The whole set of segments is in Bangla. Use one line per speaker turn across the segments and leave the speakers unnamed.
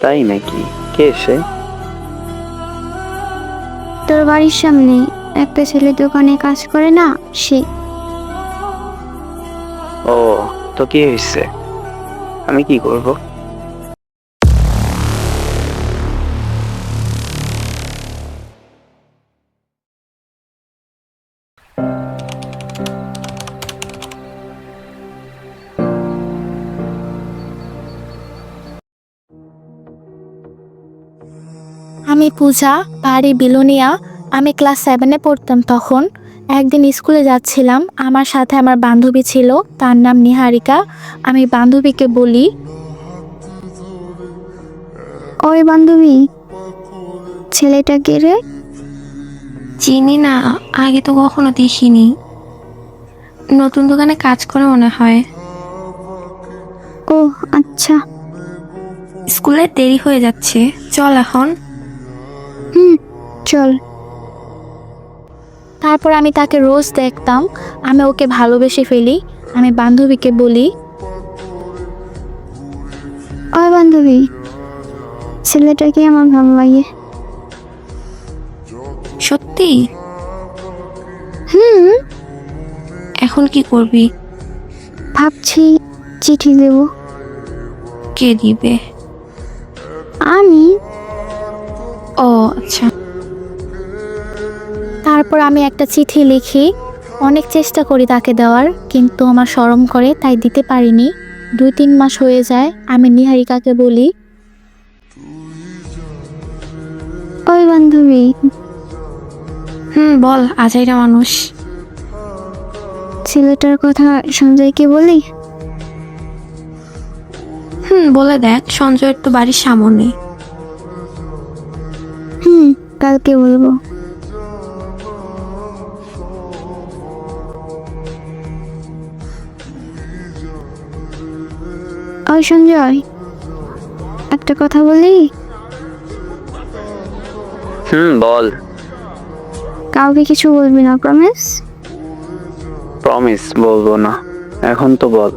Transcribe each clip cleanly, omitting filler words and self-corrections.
তাই নাকি? কে সে?
তোর বাড়ির সামনে একটা ছেলে দোকানে কাজ করে না, সে।
ও, তো কি হয়েছে? আমি কি করব?
আমি পূজা, বাড়ি বিলোনিয়া। আমি ক্লাস 7-এ পড়তাম তখন। একদিন স্কুলে যাচ্ছিলাম, আমার সাথে আমার বান্ধবী ছিল, তার নাম নিহারিকা। আমি বান্ধবীকে বলি,
ওই বান্ধবী, ছেলেটা কে রে?
চিনি না, আগে তো কখনো দেখিনি। নতুন দোকানে কাজ করে মনে হয়।
ও আচ্ছা।
স্কুলে দেরি হয়ে যাচ্ছে, চল এখন।
চল।
তারপর আমি তাকে রোজ দেখতাম, আমি ওকে ভালোবেসে ফেলি। আমি বান্ধবীকে বলি,
ওই বান্ধবী, ছেলেটাকে আমার ভালো লাগে।
সত্যি?
হুম।
এখন কি করবি?
ভাবছি চিঠি দেব।
কে দিবে?
আমি।
ও আচ্ছা।
তারপর আমি একটা চিঠি লিখি। অনেক চেষ্টা করি তাকে দেওয়ার, কিন্তু আমার শরম করে, তাই দিতে পারিনি। 2-3 মাস হয়ে যায়। আমি নিহারিকাকে বলি,
ওই বান্ধবী,
বল, আজাইরা মানুষ।
ছেলেটার কথা সঞ্জয়কে বলি।
বলে দেখ, সঞ্জয়ের তো বাড়ির সামনে।
কালকে বলবো। ওই সঞ্জয়, একটা কথা বলি।
বল।
কাউকে কিছু বলবি না, প্রমিস?
প্রমিস বলবো না। এখন তো বল।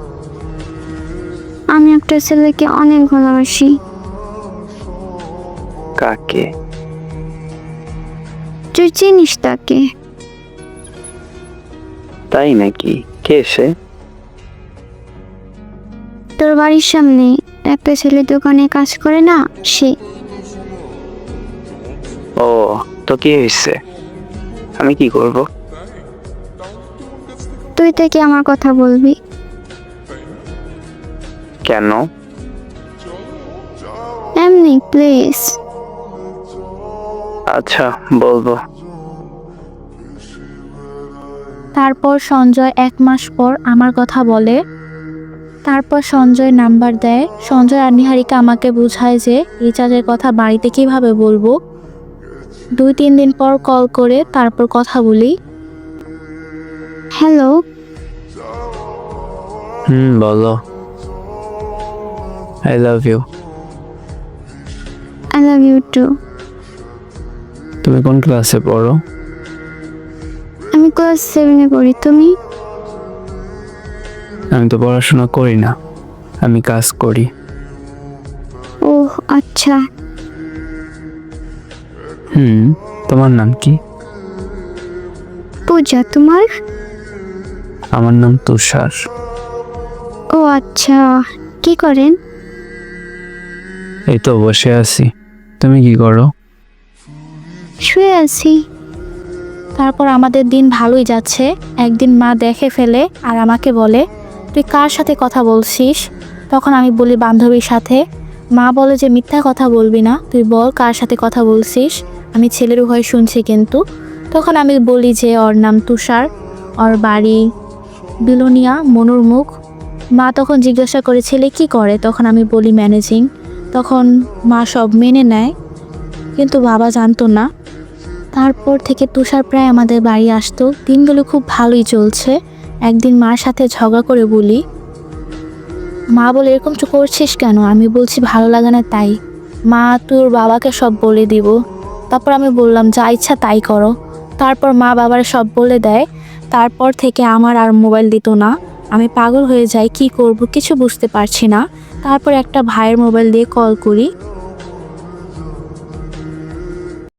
আমি একটা ছেলেকে অনেক ভালোবাসি।
কাকে?
তুই চিনিস তাকে?
তাই নাকি? কে সে?
তোর বাড়ির সামনে একটা ছেলে দোকানে কাজ করে না, সে।
ও, তো কি হয়েছে? আমি কি করব?
তুই তাকে আমার কথা বলবি।
কেন?
এমনি প্লিজ।
আচ্ছা, বলবো।
তারপর সঞ্জয় 1 মাস পর আমার কথা বলে। তারপর সঞ্জয় নাম্বার দেয়। সঞ্জয় আর নিহারিকা আমাকে বোঝায় যে রিচার্জের কথা বাড়িতে কিভাবে বলবো। 2-3 দিন পর কল করে তারপর কথা বলি।
হ্যালো।
বলো। I love you.
I love you too.
তুমি কোন ক্লাসে পড়ো?
আমি ক্লাস 7-এ পড়ি, তুমি?
আমি তো পড়াশোনা করি না, আমি কাজ করি।
ও আচ্ছা।
তোমার নাম কি?
পূজা, তোমার?
আমার নাম তুষার।
ও আচ্ছা। কি করেন?
এই তো বসে আছি। তুমি কি করো?
শুয়ে আছি।
তারপর আমাদের দিন ভালোই যাচ্ছে। একদিন মা দেখে ফেলে আর আমাকে বলে, তুই কার সাথে কথা বলছিস? তখন আমি বলি, বান্ধবীর সাথে। মা বলে যে মিথ্যা কথা বলবি না, তুই বল কার সাথে কথা বলছিস। আমি ছেলের ভয় শুনছি কিন্তু। তখন আমি বলি যে ওর নাম তুষার, ওর বাড়ি বিলোনিয়া, মনুর মুখ। মা তখন জিজ্ঞাসা করে ছেলে কি করে, তখন আমি বলি ম্যানেজিং। তখন মা সব মেনে নেয়, কিন্তু বাবা জানতো না। তারপর থেকে তুষার প্রায় আমাদের বাড়ি আসতো। দিনগুলো খুব ভালোই চলছে। একদিন মার সাথে ঝগড়া করে বলি, মা বলে এরকম তো করছিস কেন? আমি বলছি ভালো লাগে না তাই। মা, তোর বাবাকে সব বলে দিব। তারপর আমি বললাম যা ইচ্ছা তাই করো। তারপর মা বাবার সব বলে দেয়। তারপর থেকে আমার আর মোবাইল দিত না। আমি পাগল হয়ে যাই, কি করব কিছু বুঝতে পারছি না। তারপর একটা ভাইয়ের মোবাইল দিয়ে কল করি।